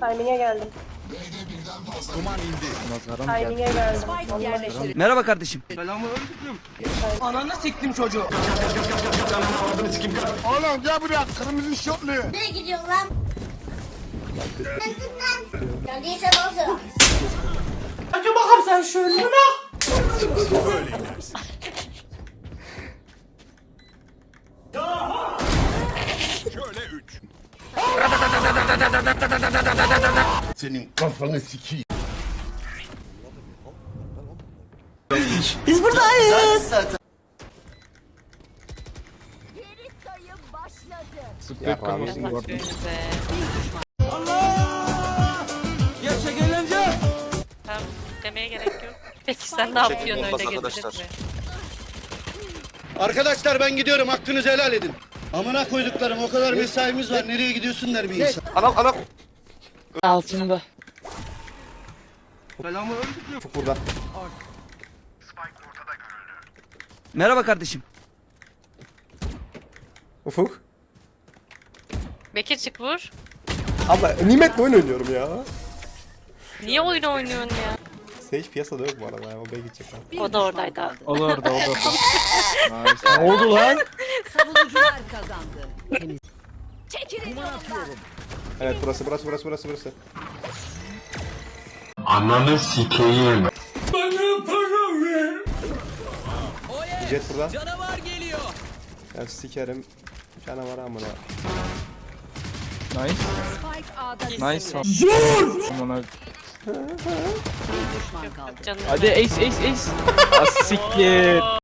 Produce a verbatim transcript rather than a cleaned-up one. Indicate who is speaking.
Speaker 1: Timing'e geldim.
Speaker 2: Duman indi.
Speaker 1: Timing'e geldim.
Speaker 3: Merhaba kardeşim.
Speaker 4: Ananı siktim çocuğu.
Speaker 2: Oğlum gel buraya kırmızı şortlu.
Speaker 5: Nereye gidiyorsun lan? Geldiyse bozdu.
Speaker 4: Hadi bakalım sen şöyle bak.
Speaker 2: Böyle inersin. Şöyle üç. Senin kafanı sikeyim.
Speaker 4: Biz buradayız.
Speaker 5: Geri sayım başladı.
Speaker 4: Gerçek eğlence.
Speaker 6: Tamam, demeye gerek yok. Peki sen ne yapıyorsun öyle
Speaker 7: arkadaşlar.
Speaker 6: gelince?
Speaker 8: Arkadaşlar ben gidiyorum, hakkınızı helal edin. Amına koyduklarım, o kadar mesaimiz var, nereye gidiyorsun der bir insan.
Speaker 7: Anam anam.
Speaker 6: Altında.
Speaker 7: Burada.
Speaker 3: Merhaba kardeşim.
Speaker 7: Ufuk.
Speaker 6: Bekir çık vur.
Speaker 7: Abla nimetle oyun oynuyorum ya.
Speaker 6: Niye oyun oynuyorsun ya?
Speaker 7: Sage piyasada yok bu arada ya. O bey gidecek lan.
Speaker 6: O da oradaydı abi.
Speaker 9: O da orada, o da orada. Ne oldu lan?
Speaker 10: Savunucular kazandı.
Speaker 5: Çekilin yolumdan.
Speaker 7: Evet burası burası burası burası burası.
Speaker 2: Ananı sikeyim.
Speaker 7: Jet burada.
Speaker 4: Canavar geliyor.
Speaker 7: Ya sikerim. Canavar amına.
Speaker 9: Nice.
Speaker 10: Spike A'da
Speaker 9: Nice. Aman abi.
Speaker 10: bir düşman kaldı.
Speaker 6: Canım.
Speaker 9: Hadi ace ace ace. Asiktir.